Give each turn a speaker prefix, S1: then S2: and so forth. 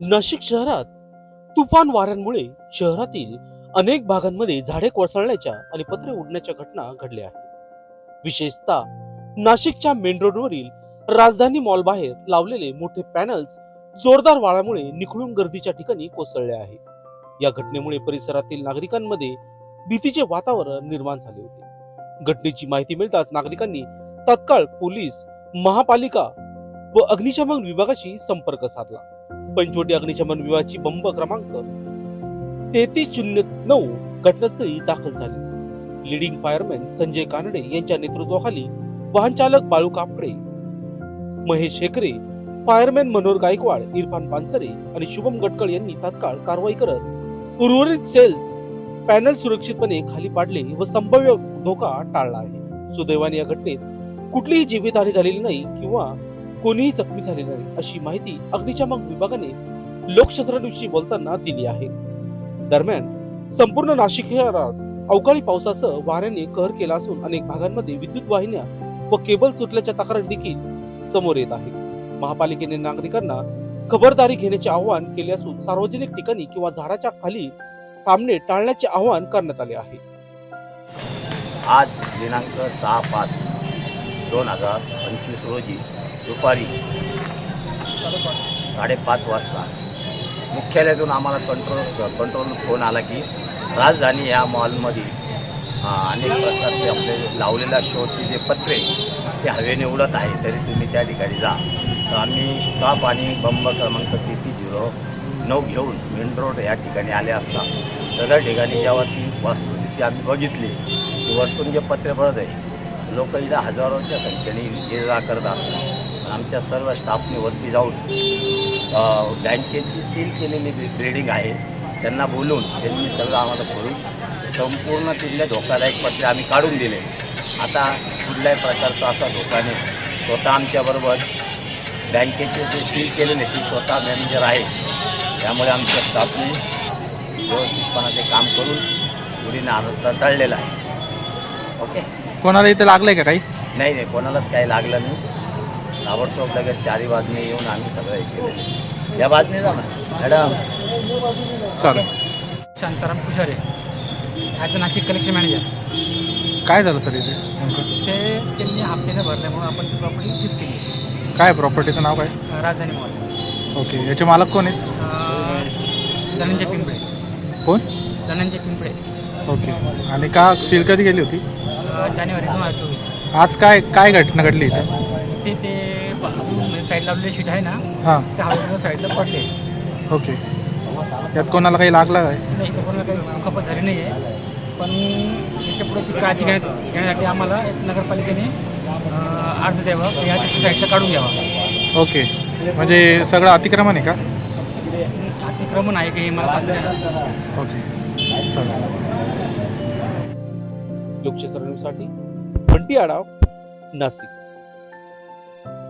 S1: नाशिक शहरात तुफान वाऱ्यांमुळे शहरातील अनेक भागांमध्ये झाडे कोसळण्याच्या आणि पत्रे उडण्याच्या घटना घडल्या आहेत. विशेषतः नाशिकच्या मेन रोडवरील राजधानी मॉल बाहेर लावलेले मोठे पॅनल्स जोरदार वाऱ्यामुळे निखळून गर्दीच्या ठिकाणी कोसळले आहे. या घटनेमुळे परिसरातील नागरिकांमध्ये भीतीचे वातावरण निर्माण झाले होते. घटनेची माहिती मिळताच नागरिकांनी तत्काळ पोलीस, महापालिका व अग्निशमन विभागाशी संपर्क साधला. पंचवटी अग्निशमन विभागाची बंब क्रमांक 3309 घटनास्थळी दाखल झाली. लीडिंग फायरमॅन संजय कानडे यांच्या नेतृत्वाखाली वाहन चालक बाळू कापडे, महेश हेकरे, फायरमॅन मनोहर गायकवाड, इरफान पानसरे आणि शुभम गटकळ यांनी तात्काळ कारवाई करत उर्वरित सेल्स पॅनल सुरक्षितपणे खाली पाडले व संभाव्य धोका टाळला आहे. सुदैवाने या घटनेत कुठलीही जीवितहानी झालेली नाही किंवा कोणीही जखमी झाले नाही, अशी माहिती अग्निशमन विभागाने लोकशास्त्राविषयी बोलताना दिली आहे. दरम्यान संपूर्ण नाशिक शहरात अवकाळी पावसासह वाऱ्याने कहर केला असून अनेक भागांमध्ये विद्युत वाहिन्या व केबल सुटल्याच्या तक्रारी देखील समोर येत आहे. महापालिकेने नागरिकांना खबरदारी घेण्याचे आवाहन केले असून सार्वजनिक ठिकाणी किंवा झाडाच्या खाली थांबणे टाळण्याचे आवाहन करण्यात आले आहे.
S2: आज दिनांक 6/5/2025 रोजी दुपारी 5:30 वाजता मुख्यालयातून आम्हाला कंट्रोल फोन आला की राजधानी या मॉलमध्ये अनेक प्रकारचे आपले लावलेल्या शोचे जे पत्रे ते हवेने उडत आहे, तरी तुम्ही त्या ठिकाणी जा. तर आम्ही स्टॉप आणि बंब क्रमांक 3309 घेऊन मेन रोड या ठिकाणी आले असता सगळ्या ठिकाणी जेव्हा ती वस्तुस्थिती आम्ही बघितली की वरतून जे पत्रे पडत आहे, लोक इथं हजारोच्या संख्येने ये जा करत असतात. आमच्या सर्व स्टाफने वरती जाऊन बँकेची सील केलेली बिल्डिंग आहे त्यांना बोलून त्यांनी सगळं आम्हाला करून संपूर्ण तिथले धोकादायक पत्रे आम्ही काढून दिले. आता कुठल्याही प्रकारचा असा धोका नाही. स्वतः आमच्याबरोबर बँकेचे जे सील केलेले ते स्वतः मॅनेजर आहे, त्यामुळे आमच्या स्टाफने व्यवस्थितपणे ते काम करून पुढील आनंद टळलेला आहे. ओके,
S3: कोणाला इथे लागलंय का काही?
S2: नाही नाही, कोणालाच काही लागलं नाही. ताबडतोब लगेच चारी बाजूने येऊन आम्ही सगळं हे केलं. या बाजूने जा ना मॅडम.
S3: चालेल.
S4: Shantaram Kushare as a Nashik collection manager.
S3: काय झालं सर इथे?
S4: ते त्यांनी हप्त्याने भरल्यामुळे आपण ती प्रॉपर्टी शिफ्ट केली.
S3: काय प्रॉपर्टीचं नाव काय?
S4: राजधानी मॉल.
S3: ओके, याचे मालक कोण आहेत?
S4: धनंजय पिंपळे.
S3: कोण?
S4: धनंजय पिंपळे.
S3: ओके, आणि का सील कधी गेली होती?
S4: जानेवारी 2024.
S3: आज काय काय घटना घडली इथे?
S4: इथे ते साईड लावलेले शीट आहे ना,
S3: हां,
S4: त्या हवेमुळे साईडला पडले.
S3: ओके. यात कोणाला काही लागलं काय?
S4: नाही, इथं कोणाला काही खपत झाली नाही आहे. पण याच्या पुढे ती काळजी घेण्यासाठी आम्हाला नगरपालिकेने अर्ज द्यावा, या साईडला काढून घ्यावा.
S3: ओके, म्हणजे सगळं अतिक्रमण आहे का?
S4: अतिक्रमण आहे की हे मला सांगता येणार.
S3: ओके, चालेल.
S1: लोकशास्त्रासाठी बंटी आढाव, नाशिक.